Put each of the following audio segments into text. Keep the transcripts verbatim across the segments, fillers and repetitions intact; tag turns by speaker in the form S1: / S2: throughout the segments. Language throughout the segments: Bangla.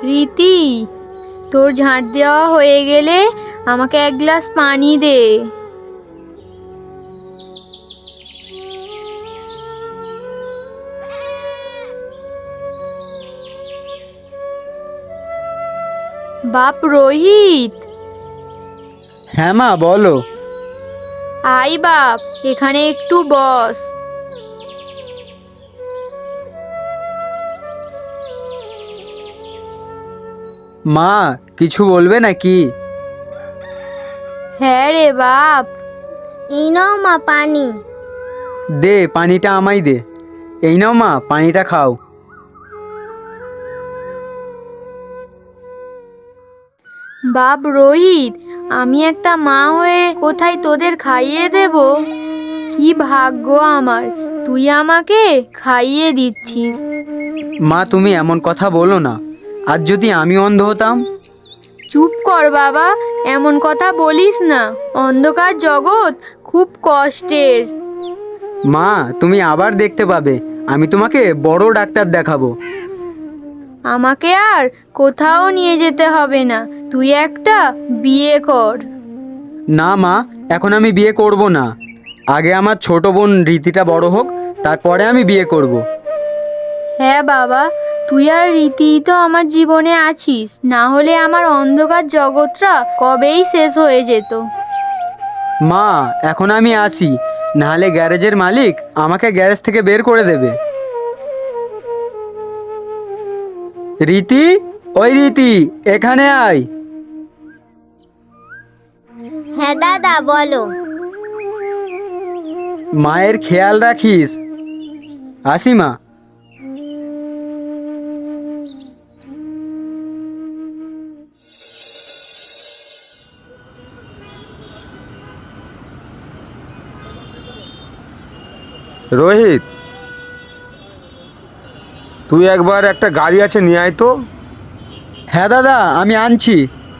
S1: রীতি, তোর ঝাঁট দেওয়া হয়ে গেলে আমাকে এক গ্লাস পানি দে। বাপ রোহিত।
S2: হ্যাঁ মা, বলো।
S1: আই বাপ, এখানে একটু বস।
S2: মা, কিছু বলবে নাকি?
S1: হ্যাঁ রে বাপ। এই নাও মা পানি।
S2: দে, পানিটা আমায় দে। এই নাও মা, পানিটা খাও।
S1: বাপ রোহিত, আমি একটা মা হয়ে কোথায় তোদের খাইয়ে দেব? কি ভাগ্য আমার, তুই আমাকে খাইয়ে দিচ্ছিস।
S2: মা, তুমি এমন কথা বলো না। আর যদি আমি অন্ধ হতাম?
S1: চুপ কর বাবা, এমন কথা বলিস না। অন্ধকার জগৎ খুব কষ্টের।
S2: মা, তুমি আবার দেখতে পাবে। আমি তোমাকে বড় ডাক্তার দেখাবো।
S1: আমাকে আর কোথাও নিয়ে যেতে হবে না, তুই একটা বিয়ে কর।
S2: না মা, এখন আমি বিয়ে করব না। আগে আমার ছোট বোন রীতিটা বড় হোক, তারপরে আমি বিয়ে করব।
S1: হ্যাঁ বাবা, তুই আর রীতি তো আমার জীবনে আছিস, না হলে আমার অন্ধকার জগৎটা কবেই শেষ হয়ে যেত।
S2: মা, এখন আমি আসি, নাহলে গ্যারেজের মালিক আমাকে গ্যারেজ থেকে বের করে দেবে। রীতি, ওই রীতি, এখানে আয়।
S3: হ্যাঁ দাদা, বলো।
S2: মায়ের খেয়াল রাখিস। আসি মা।
S4: রোহিত, তুই একবার একটা গাড়ি আছে নিয়ে আয় তো।
S2: হ্যাঁ দাদা, আমি আনছি।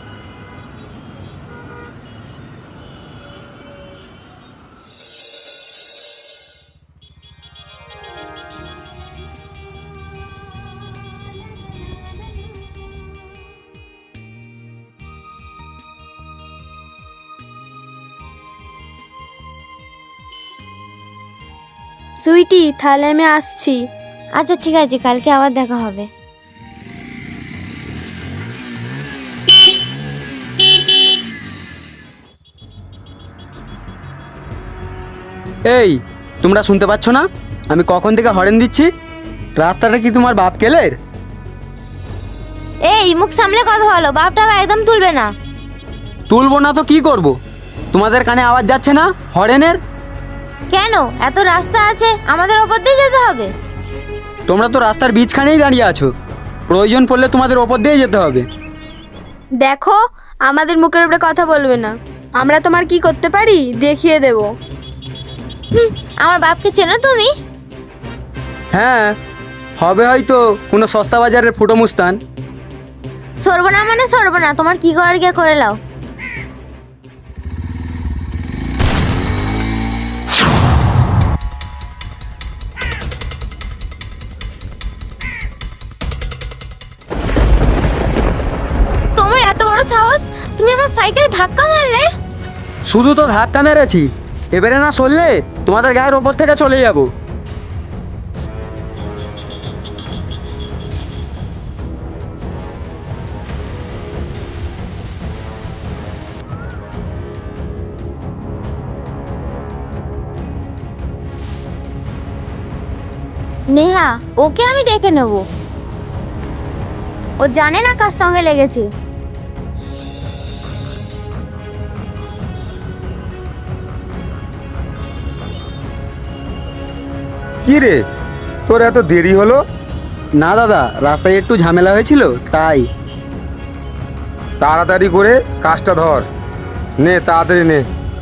S3: সুইটি, তাহলে আমি আসছি। আচ্ছা ঠিক আছে, কালকে আবার দেখা হবে।
S2: এই, তোমরা শুনতে পাচ্ছ না আমি কখন থেকে হরেন দিচ্ছি? রাস্তাটা কি তোমার বাপ কেলের?
S3: এই, মুখ সামলে কথা বলো, বাপটা একদম তুলবে না।
S2: তুলবো না তো কি করব? তোমাদের কানে আওয়াজ যাচ্ছে না হরেনের?
S3: কেন? এত রাস্তা আছে, আমাদের ওপর দিয়ে যেতে হবে?
S2: তোমরা তো রাস্তার বীজখানেই দাঁড়িয়ে আছো, প্রয়োজন পড়লে তোমাদের ওপর দিয়ে যেতে হবে।
S1: দেখো, আমাদের মুখের উপরে কথা বলবে না। আমরা তোমার কি করতে পারি দেখিয়ে দেব।
S3: হুম, আমার বাপকে চেনো তুমি?
S2: হ্যাঁ, হবে হয়তো কোনো সস্তা বাজারের ফুটো মুস্তান।
S3: সরবো না মানে সরবো না, তোমার কি করার গিয়ে করে লাও। তোমার এত বড় সাহস, তুমি আমার সাইকেলে ধাক্কা মারলে?
S2: শুধু তো ধাক্কা মেরেছি, এবারে না সরলে তোমাদের গায়ের ওপর থেকে চলে যাব।
S3: নেহা, ওকে আমি দেখে নেব। ও জানে না কার সঙ্গে লেগেছে।
S4: কি রে, তোর এত দেরি হলো?
S2: না দাদা, রাস্তায় একটু ঝামেলা হয়েছিল তাই।
S4: তাড়াতাড়ি করে কাজটা ধর, নে তাড়াতাড়ি নে।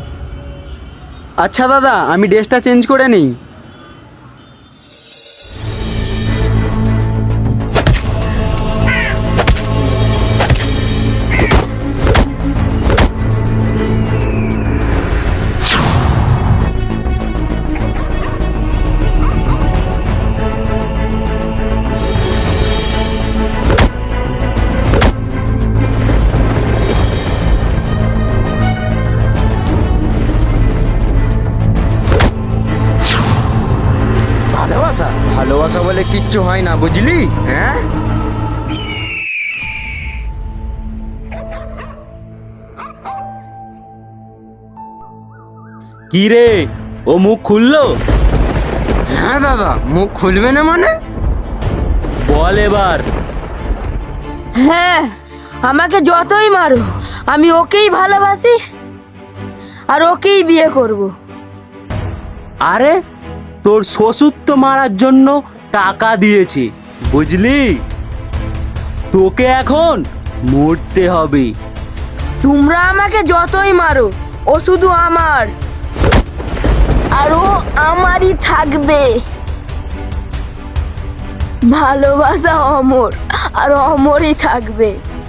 S2: আচ্ছা দাদা, আমি ড্রেসটা চেঞ্জ করে নিই। ভালোবাসা বলে কিচ্ছু হয় না, বুঝলি? হ্যাঁ,
S5: কি রে, ও মুখ খুললো?
S2: হ্যাঁ দাদা, মুখ খুলবে না মানে?
S5: বল এবার।
S3: হ্যাঁ, আমাকে যতই মারো আমি ওকেই ভালোবাসি আর ওকেই বিয়ে করব।
S5: আরে তোর শ্বশুর তো মারার জন্য টাকা দিয়েছে, বুঝলি? তোকে এখন মরতে হবে।
S3: তোমরা আমাকে যতই মারো ও শুধু আমার, আর ও আমারই থাকবে। ভালোবাসা অমর আর অমরই থাকবে।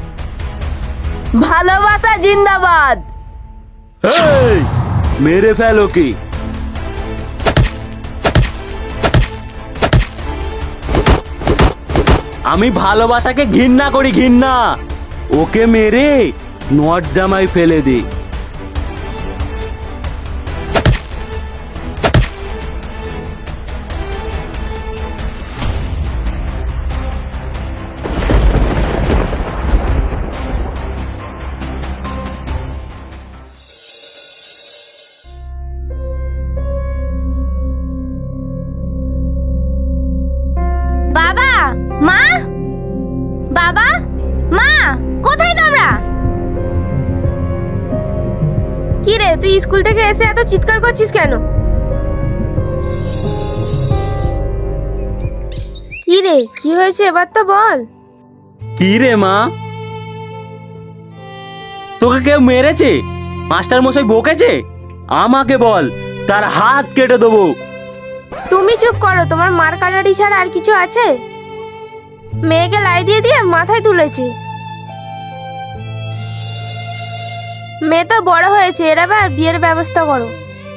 S3: ভালোবাসা জিন্দাবাদ।
S5: এই, মেরে ফেল ওকে। আমি ভালোবাসাকে ঘৃণা করি, ঘৃণা। ওকে মেরে নর্দমায় ফেলে দে।
S1: বাবা, মা, বাবা, মা, কোথায় তোমরা? কি রে, তুই স্কুল থেকে এসে এত চিৎকার করছিস কেন? কি রে, কি হয়েছে এবার তো বল।
S5: কি রে মা, তোকে কেউ মেরেছে? মাস্টার মশাই বকেছে? আমাকে বল, তার হাত কেটে দেবো।
S1: তুমি চুপ করো, তোমার মার কাটারি ছাড়া আর কিছু আছে? মেয়েকে লাই দিয়ে দিয়ে মাথায় তুলেছি। মেয়ে তো বড় হয়েছে, এর আবার বিয়ের ব্যবস্থা করো।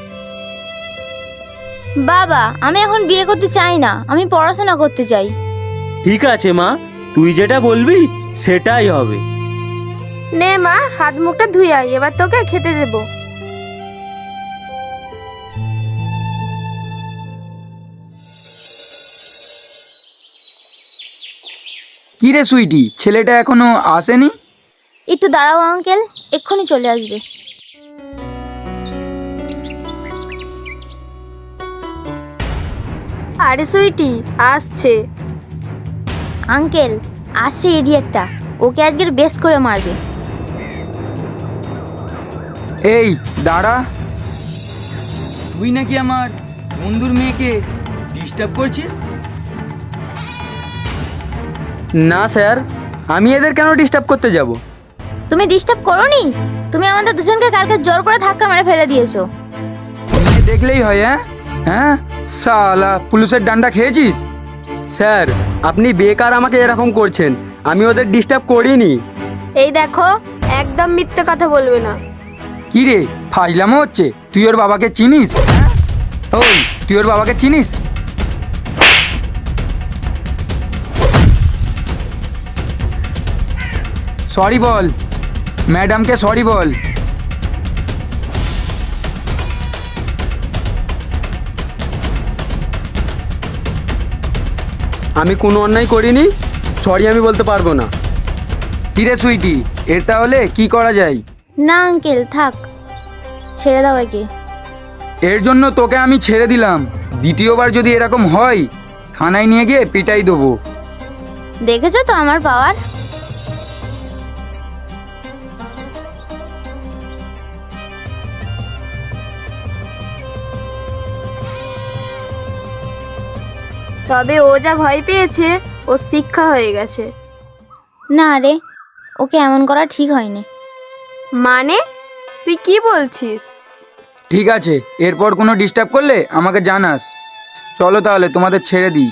S3: বাবা, আমি এখন বিয়ে করতে চাই না, আমি পড়াশোনা করতে চাই।
S5: ঠিক আছে মা, তুই যেটা বলবি সেটাই হবে।
S1: নে মা, হাত মুখটা ধুই আয়, এবার তোকে খেতে দেবো।
S6: কি রে সুইটি, ছেলেটা এখনো আসেনি?
S3: একটু দাঁড়াও আঙ্কেল, এক্ষুনি চলে আসবে।
S1: আরে সুইটি, আসছে।
S3: আঙ্কেল, আসছে ইডিয়েটটা, ওকে আজকের বেশ করে মারবে।
S6: এই দাঁড়া, তুই নাকি আমার বন্ধুর মেয়েকে ডিস্টার্ব করছিস?
S2: না স্যার, আমি এদের কেন ডিস্টার্ব করতে যাব?
S3: তুমি ডিস্টার্ব করোনি? তুমি আমাদের দুজনকে কালকে জোর করে ধাক্কা মেরে ফেলে দিয়েছো।
S6: মেয়ে দেখলেই হয়? হ্যাঁ হ্যাঁ, শালা পুলিশের ডান্ডা খেয়েছিস?
S2: স্যার, আপনি বেকার আমাকে এরকম করছেন, আমি ওদের ডিস্টার্ব করিনি।
S1: এই দেখো, একদম মিথ্যে কথা বলবে না।
S6: কি রে, ফাজলামো হচ্ছে? তুই ওর বাবাকে চিনিস? হ্যাঁ? ওই, তুই ওর বাবাকে চিনিস? সরি বল, ম্যাডামকে সরি বল।
S2: আমি কোনো অন্যায় করিনি, সরি আমি বলতে পারবো না।
S6: কি রে সুইটি, এর তাহলে কি করা যায়?
S3: না আঙ্কেল, থাক, ছেড়ে দাও একে।
S6: এর জন্য তোকে আমি ছেড়ে দিলাম, দ্বিতীয়বার যদি এরকম হয় থানায় নিয়ে গিয়ে পিটাই দেবো।
S3: দেখেছো তো আমার পাওয়ার।
S1: তবে ও যা ভয় পেয়েছে, ও শিক্ষা হয়ে গেছে।
S3: না রে, ওকে এমন করা ঠিক হয়নি।
S1: মানে তুই কি বলছিস?
S6: ঠিক আছে, এরপর কোনো ডিস্টার্ব করলে আমাকে জানাস। চলো তাহলে তোমাদের ছেড়ে দিই।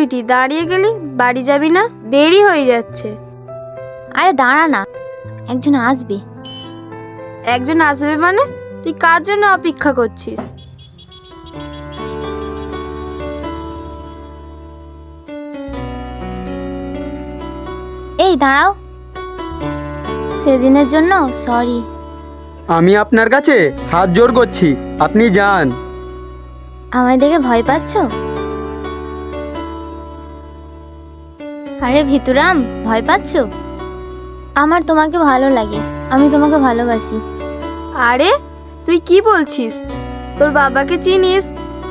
S1: সুইটি, দাঁড়িয়ে গেলি? বাড়ি যাবি না? দেরি হয়ে যাচ্ছে।
S3: আরে দাঁড়া না, একজন আসবে।
S1: একজন আসবে মানে? তুই কার জন্য অপেক্ষা করছিস?
S3: এই দাঁড়াও, সেদিনের জন্য সরি।
S2: আমি আপনার কাছে হাত জোর করছি, আপনি যান।
S3: আমায় দেখে ভয় পাচ্ছ? আরে ভিতুরাম, ভয় পাচ্ছ? আমার তোমাকে ভালো লাগে, আমি তোমাকে ভালোবাসি।
S1: আরে তুই কি বলছিস? তোর বাবাকে চিনিস?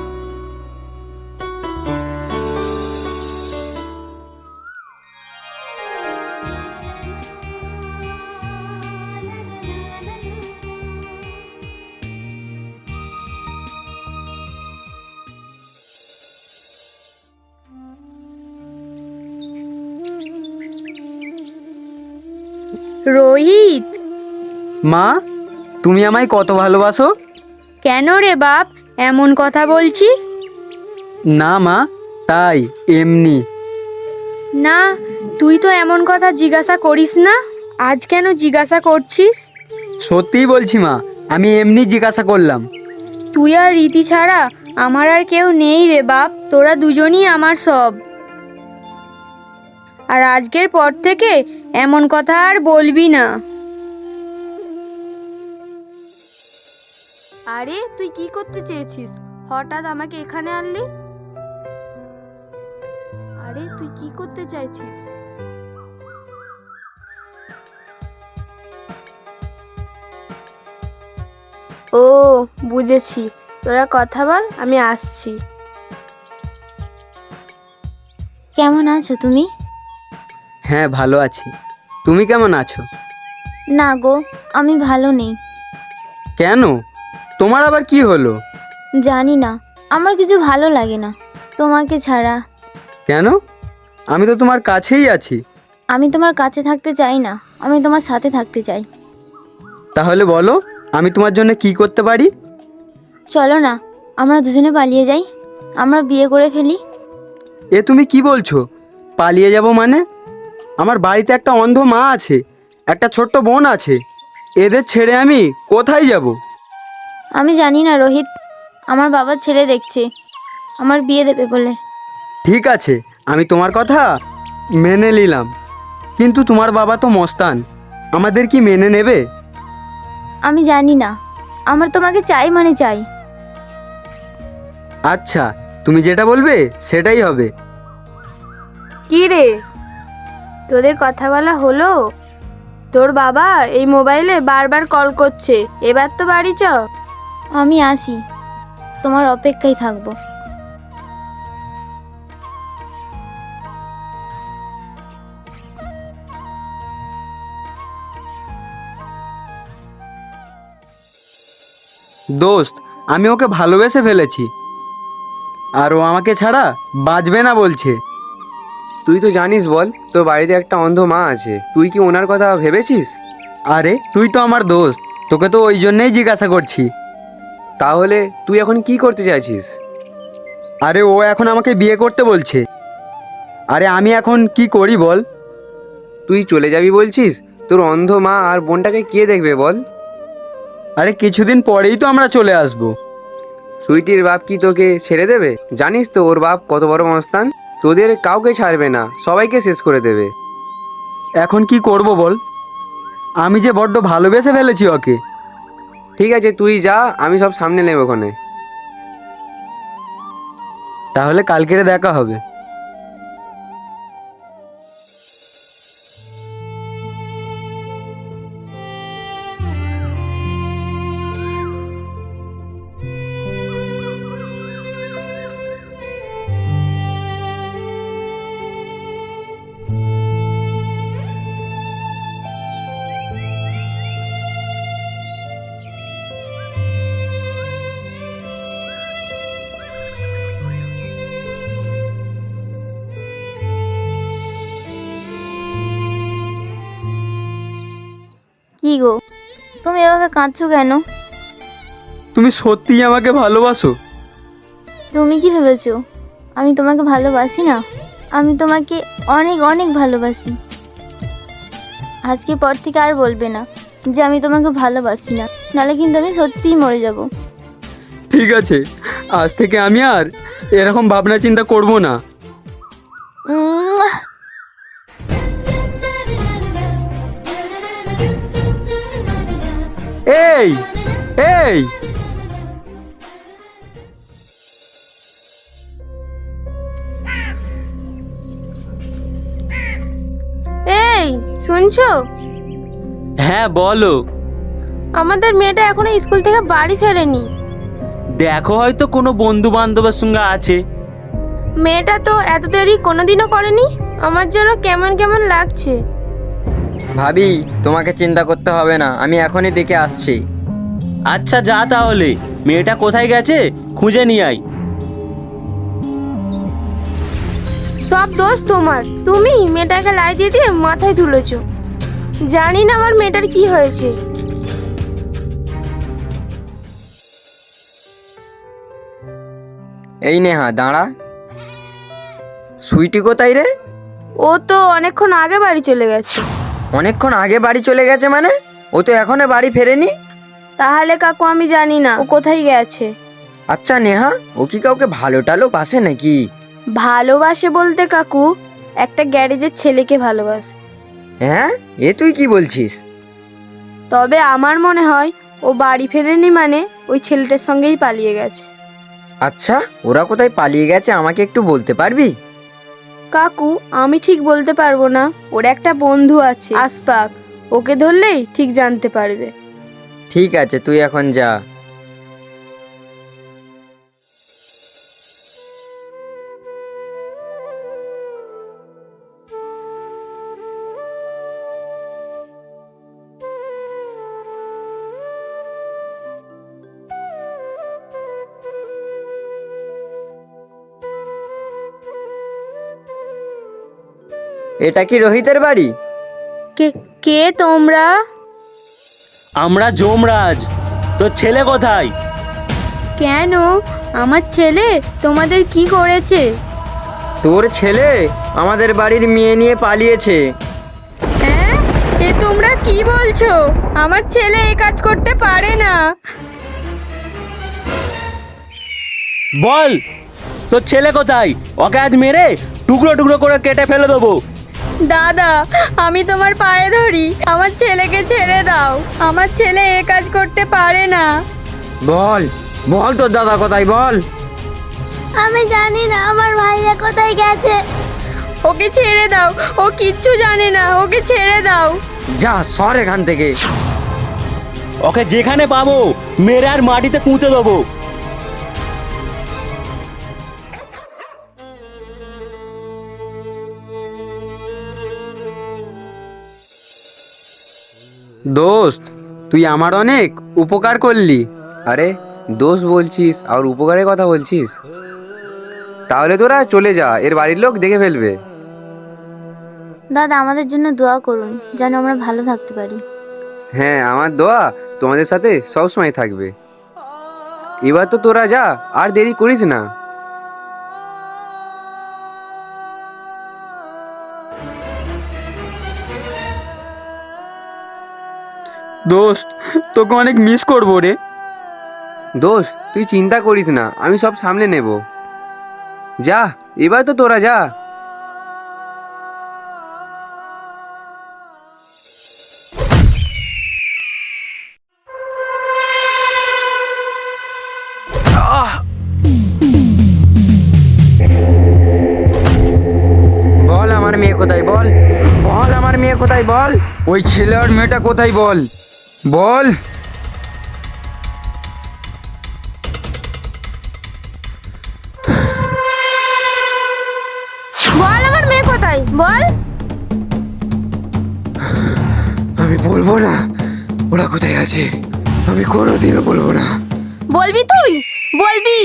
S1: রোহিত,
S2: মা, তুমি আমায় কত ভালোবাসো?
S1: কেন রে বাপ এমন কথা বলছিস?
S2: না মা, তাই এমনি।
S1: না, তুই তো এমন কথা জিজ্ঞাসা করিস না। আজ কেন জিজ্ঞাসা করছিস?
S2: সত্যিই বলছি মা, আমি এমনি জিজ্ঞাসা করলাম।
S1: তুই আর রীতি ছাড়া আমার আর কেউ নেই রে বাপ, তোরা দুজনই আমার সব। আর আজকের পর থেকে এমন কথা আর বলবি না। আরে তুই কি করতে চেয়েছিস? হঠাৎ আমাকে এখানে আনলি? আরে তুই কি করতে চাইছিস? ও বুঝেছি, তোরা কথা বল, আমি আসছি।
S3: কেমন আছো তুমি?
S2: হ্যাঁ ভালো আছি, তুমি কেমন আছো?
S3: না গো, আমি ভালো নেই।
S2: কেন, তোমার আবার কি হলো?
S3: জানি না, আমার কিছু ভালো লাগে না তোমাকে ছাড়া।
S2: কেন? আমি তো তোমার কাছেই আছি।
S3: আমি তোমার কাছে থাকতে চাই না, আমি তোমার সাথে থাকতে চাই।
S2: তাহলে বলো, আমি তোমার জন্য কি করতে পারি?
S3: চলো না, আমরা দুজনে পালিয়ে যাই, আমরা বিয়ে করে ফেলি।
S2: এ তুমি কি বলছো? পালিয়ে যাব মানে? আমার বাড়িতে একটা অন্ধ মা আছে, একটা ছোট্ট বোন আছে, এদের ছেড়ে আমি কোথায় যাব?
S3: আমি জানি না রোহিত, আমার বাবা ছেলে দেখছে, আমার বিয়ে দেবে বলে।
S2: ঠিক আছে, আমি তোমার কথা মেনে নিলাম, কিন্তু তোমার বাবা তো মস্তান, আমাদের কি মেনে নেবে?
S3: আমি জানি না, আমার তোমাকে চাই মানে চাই।
S2: আচ্ছা, তুমি যেটা বলবে সেটাই হবে।
S1: কি রে, তোদের কথা বলা হলো? তোর বাবা এই মোবাইলে বারবার কল করছে, এবার তো বাড়ি চ।
S3: আমি আসি, তোমার অপেক্ষায় থাকবো।
S2: দোস্ত, আমি ওকে ভালোবেসে ফেলেছি, আর ও আমাকে ছাড়া বাঁচবে না বলছে।
S7: তুই তো জানিস বল, তোর বাড়িতে একটা অন্ধ মা আছে, তুই কি ওনার কথা ভেবেছিস?
S2: আরে তুই তো আমার দোস্ত, তোকে তো ওই জন্যেই জিজ্ঞাসা করছি।
S7: তাহলে তুই এখন কি করতে চাইছিস?
S2: আরে ও এখন আমাকে বিয়ে করতে বলছে, আরে আমি এখন কি করি বল?
S7: তুই চলে যাবি বলছিস? তোর অন্ধ মা আর বোনটাকে কে দেখবে বল?
S2: আরে কিছুদিন পরেই তো আমরা চলে আসব।
S7: সুইটির বাপ কি তোকে ছেড়ে দেবে? জানিস তো ওর বাপ কত বড় মস্তান, তোদের কাউকে ছাড়বে না, সবাইকে শেষ করে দেবে।
S2: এখন কি করব বল? আমি যে বড্ড ভালোবেসে ফেলেছি ওকে।
S7: ঠিক আছে তুই যা, আমি সব সামনে নেব ওখানে।
S2: তাহলে কালকেরে দেখা হবে।
S3: কি গো, তুমি এভাবে কাঁদছো কেন?
S2: তুমি সত্যিই আমাকে ভালোবাসো?
S3: তুমি কি ভেবেছো আমি তোমাকে ভালোবাসি না? আমি তোমাকে অনেক অনেক ভালোবাসি। আজকে পর থেকে আর বলবে না যে আমি তোমাকে ভালোবাসি না, নাহলে কিন্তু আমি সত্যিই মরে যাব।
S2: ঠিক আছে, আজ থেকে আমি আর এরকম ভাবনা চিন্তা করব না।
S3: উম,
S2: এই এই
S1: এই শুনছো?
S5: হ্যাঁ বলো।
S1: আমাদের মেয়েটা এখনো স্কুল থেকে বাড়ি ফেরেনি।
S5: দেখো হয়তো কোনো বন্ধু বান্ধবের সঙ্গে আছে।
S1: মেয়েটা তো এত দেরি কোনোদিনও করেনি। আমার জন্য কেমন কেমন লাগছে।
S2: ভাবি, তোমাকে চিন্তা করতে হবে না, আমি এখনই দেখে আসছি।
S5: আচ্ছা যা তাহলে, মেয়েটা কোথায় গেছে খুঁজে নিয়ে আয়।
S1: সব দোষ তোমার। তুমি মেয়েটাকে লাই দিয়ে দিয়ে মাথায় তুলেছো। জানি না আমার মেয়েটার কি হয়েছে।
S2: এই নেহা দাঁড়া। সুইটি কোথায় রে?
S1: ও তো অনেকক্ষণ আগে বাড়ি চলে গেছে।
S2: অনেকক্ষণ আগে বাড়ি চলে গেছে মানে? ও তো এখনো বাড়ি ফেরেনি।
S1: তাহলে কাকু আমি জানি না ও কোথায় গেছে।
S2: আচ্ছা নেহা, ও কি কাউকে ভালো টালো বাসে নাকি?
S1: ভালোবাসে বলতে কাকু একটা গ্যারেজের ছেলেকে ভালোবাসে।
S2: হ্যাঁ, এ তুই কি বলছিস?
S1: তবে আমার মনে হয় ও বাড়ি ফেরেনি মানে ওই ছেলেটার সঙ্গেই পালিয়ে গেছে।
S2: আচ্ছা, ওরা কোথায় পালিয়ে গেছে আমাকে একটু বলতে পারবি?
S1: কাকু আমি ঠিক বলতে পারবো না। ওর একটা বন্ধু আছে আসপাক, ওকে ধরলেই ঠিক জানতে পারবে।
S2: ঠিক আছে, তুই এখন যা। এটা কি রোহিতের বাড়ি?
S1: কে কে তোমরা?
S5: আমরা যমরাজ। তোর ছেলে কোথায়?
S1: কেন? আমার ছেলে তোমাদের কি করেছে?
S2: তোর ছেলে আমাদের বাড়ির মেয়ে নিয়ে পালিয়েছে।
S1: হ্যাঁ, এ তোমরা কি বলছো? আমার ছেলে এ কাজ করতে পারে না।
S5: বল তোর ছেলে কোথায়? ওকে আজ মেরে টুকরো টুকরো করে কেটে ফেলে দেবো।
S1: দাদা আমি তোমার পায়ে ধরি, আমার ছেলেকে ছেড়ে দাও। আমার ছেলে এ কাজ করতে পারে না।
S2: বল বল তোর দাদা কোথায়, বল।
S3: আমি জানি না আমার ভাইয়া কোথায় গেছে।
S1: ওকে ছেড়ে দাও, ও কিচ্ছু জানে না, ওকে ছেড়ে দাও।
S2: যা সর এখান থেকে।
S5: ওকে যেখানে পাবো মেরে আর মাটিতে পুঁতে দেবো।
S2: দোস্ত, তুই আমার অনেক উপকার করলি।
S7: আরে দোষ বলছিস আর উপকারের কথা বলছিস? তাহলে তোরা চলে যা, এর বাড়ির লোক দেখে ফেলবে।
S3: দাদা আমাদের জন্য দোয়া করুন যেন আমরা ভালো থাকতে পারি।
S7: হ্যাঁ, আমার দোয়া তোমাদের সাথে সবসময় থাকবে। এবার তো তোরা যা, আর দেরি করিস না।
S2: দোস্ত, তোকে অনেক মিস করবো রে।
S7: দোষ তুই চিন্তা করিস না, আমি সব সামলে নেব। যা, এবার তো তোরা যা।
S2: বল আমার মেয়ে কোথায়, বল বল আমার মেয়ে কোথায়, বল।
S6: ওই ছেলে আর মেয়েটা কোথায় বল, বল।
S1: বল আমার মেয়ে কোথায়, বল।
S7: আমি বলবো না ওরা কোথায় আছে, আমি কোনোদিনও বলবো না।
S1: বলবি তুই, বলবি।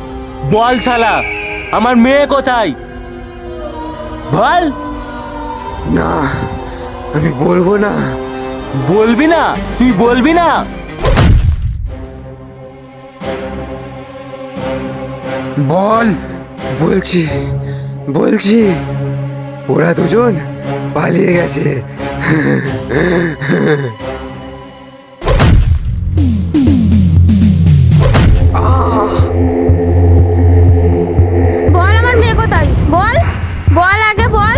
S5: বল শালা, আমার মেয়ে কোথায়? বল।
S7: না, আমি বলবো না।
S5: বলবি না? তুই বলবি না?
S6: বল।
S7: বলছি বলছি ওরা দুজন পালিয়ে গেছে।
S1: বল আমার মেয়ে কোথায়, বল বল আগে বল।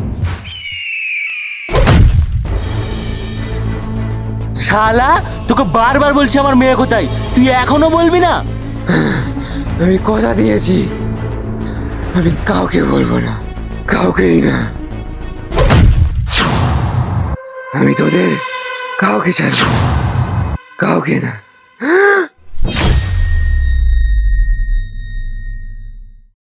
S5: শালা, তোকে বারবার বলছি আমার মেয়ে কোথায়, তুই এখনো বলবি না?
S7: আমি কথা দিয়েছি, আমি কাউকে বলবো না, কাউকেই না। আমি তোদের কাউকে ছাড়বো না, কাউকে না।